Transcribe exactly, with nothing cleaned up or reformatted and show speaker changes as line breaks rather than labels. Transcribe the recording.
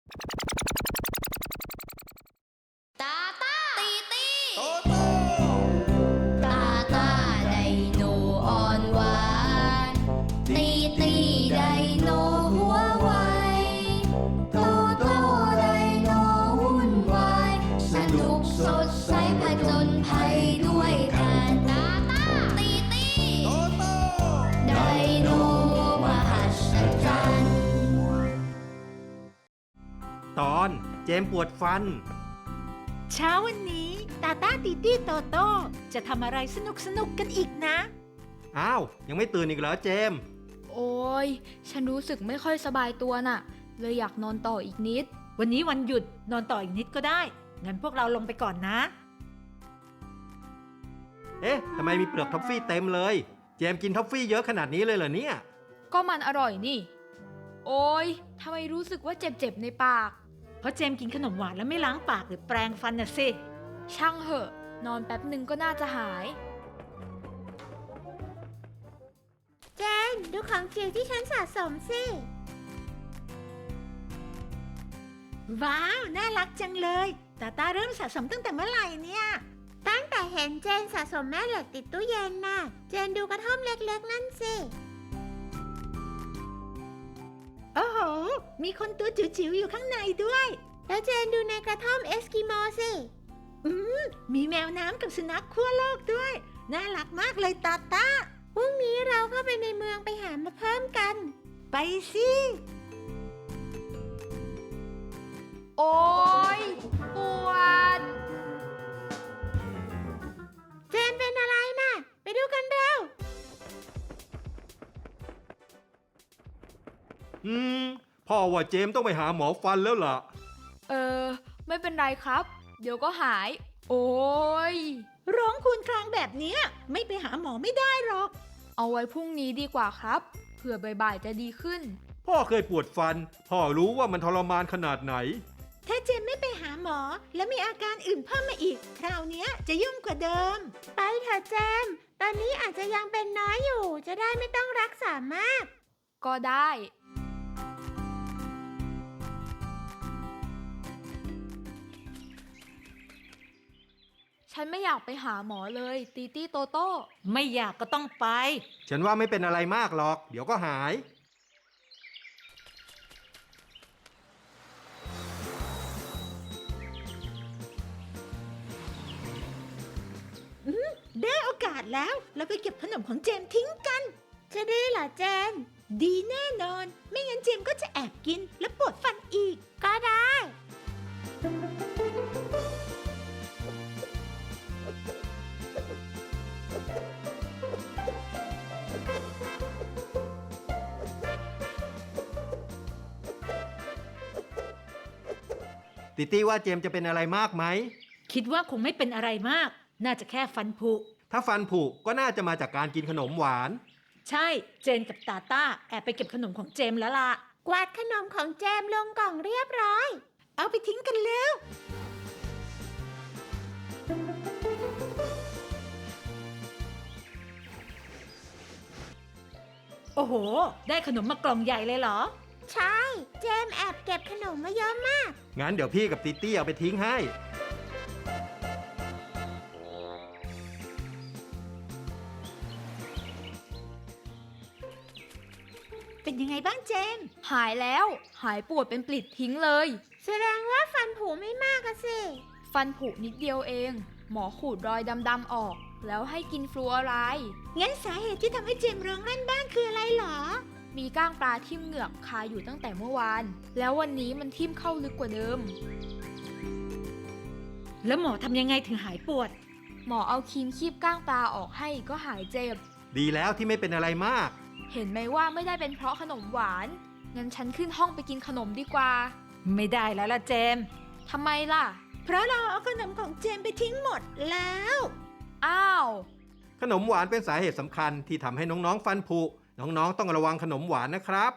ตาตาตีตี
โตโต้
ตาตาไดโนอ่อนหวานตีตีไดโนหัวไวโตโต้ไดโนวุ่นวายสนุกสดใสผจญภัยด้วยกันตาตาตีตี
โตโต้
ไดโนมหัศจรรย์
ตอนเจมส์ปวดฟัน
เช้าวันนี้ตาตาตีตี้โตโต้จะทำอะไรสนุกสนุกกันอีกนะ
อ้าวยังไม่ตื่นอีกเหรอเจมส์
โอ้ยฉันรู้สึกไม่ค่อยสบายตัวน่ะ เลยอยากนอนต่ออีกนิด
วันนี้วันหยุดนอนต่ออีกนิดก็ได้งั้นพวกเราลงไปก่อนนะ
เอ๊ะทำไมมีเปลือกท็อฟฟี่เต็มเลยเจมส์กินท็อฟฟี่เยอะขนาดนี้เลยเหรอเนี่ย
ก็มันอร่อยนี่ โอ้ยทำไมรู้สึกว่าเจ็บๆในปาก
เพราะเจมส์กินขนมหวานแล้วไม่ล้างปากหรือแปรงฟันน่ะสิ
ช่างเหอะ นอนแป๊บหนึ่งก็น่าจะหาย
เจนดูของจิ๋วที่ฉันสะสมสิ
ว้าวน่ารักจังเลยตาตาเริ่มสะสมตั้งแต่เมื่อไหร่เนี่ย
ตั้งแต่เห็นเจนสะสมแม่เหล็กติดตู้เย็นน่ะ เจนดูกระท่อมเล็กๆนั่นสิ
โอ้โหมีคนตัวจิ๋วๆอยู่ข้างในด้วย
แล้วเจนดูในกระท่อมเอสกิโมสิ
อืมมีแมวน้ำกับสุนัขขั้วโลกด้วยน่ารักมากเลยตาตา
พรุ่งนี้เราเข้าไปในเมืองไปหามาเพิ่มกัน
ไปสิ
โอ้ยปวด
เจนเป็นอะไรน่ะ ไปดูกันเร็ว
อืมพ่อว่าเจมส์ต้องไปหาหมอฟันแล้วล่ะ
เออ ไม่เป็นไรครับ เดี๋ยวก็หาย โอ้ย
ร้องครวญครางแบบเนี้ยไม่ไปหาหมอไม่ได้หรอก
เอาไว้พรุ่งนี้ดีกว่าครับ เผื่อบ่ายๆจะดีขึ้น
พ่อเคยปวดฟันพ่อรู้ว่ามันทรมานขนาดไหน
ถ้าเจมไม่ไปหาหมอแล้วมีอาการอื่นเพิ่มมาอีก คราวเนี้ยจะยุ่งกว่าเดิม
ไปเถอะเจม ตอนนี้อาจจะยังเป็นน้อยอยู่ จะได้ไม่ต้องรักษามาก
ก็ได้ ฉันไม่อยากไปหาหมอเลยตีตี้โตโต้
ไม่อยากก็ต้องไป
ฉันว่าไม่เป็นอะไรมากหรอก เดี๋ยวก็หาย
ได้โอกาสแล้วเราไปเก็บขนมของเจมทิ้งกัน
จะดีเหรอเจน
ดีแน่นอน ไม่งั้นเจมก็จะแอบกินและปวดฟันอีก
ก็ได้
ติตี้ว่าเจมส์จะเป็นอะไรมากไหม
คิดว่าคงไม่เป็นอะไรมาก น่าจะแค่ฟันผุ
ถ้าฟันผุก็น่าจะมาจากการกินขนมหวาน
ใช่เจนกับตาต้าแอบไปเก็บขนมของเจมแล้วล่ะ
กวาดขนมของเจมลงกล่องเรียบร้อย
เอาไปทิ้งกันแล้ว โอ้โห ได้ขนมมากล่องใหญ่เลยเหรอ
ใช่ เจมแอบเก็บขนมมาเยอะมาก
งั้นเดี๋ยวพี่กับติตี้เอาไปทิ้งให้
เป็นยังไงบ้างเจม
หายแล้ว หายปวดเป็นปลิดทิ้งเลย
แสดงว่าฟันผุไม่มากอะสิ
ฟันผุนิดเดียวเอง หมอขูดรอยดำๆออก แล้วให้กินฟลูออไรด์
งั้นสาเหตุที่ทำให้เจมร้องลั่นบ้านคืออะไรเหรอ
มีก้างปลาทิ่มเหงือกคาอยู่ตั้งแต่เมื่อวาน แล้ววันนี้มันทิ่มเข้าลึกกว่าเดิม
แล้วหมอทำยังไงถึงหายปวด
หมอเอาครีมคีบก้างปลาออกให้ก็หายเจ็บ
ดีแล้วที่ไม่เป็นอะไรมาก
เห็นไหมว่าไม่ได้เป็นเพราะขนมหวาน งั้นฉันขึ้นห้องไปกินขนมดีกว่า
ไม่ได้แล้วล่ะเจม
ทำไมล่ะ
เพราะเราเอาขนมของเจมไปทิ้งหมดแล้ว
อ้าว
ขนมหวานเป็นสาเหตุสำคัญที่ทำให้น้องๆฟันผุ น้องๆต้องระวังขนมหวานนะครับ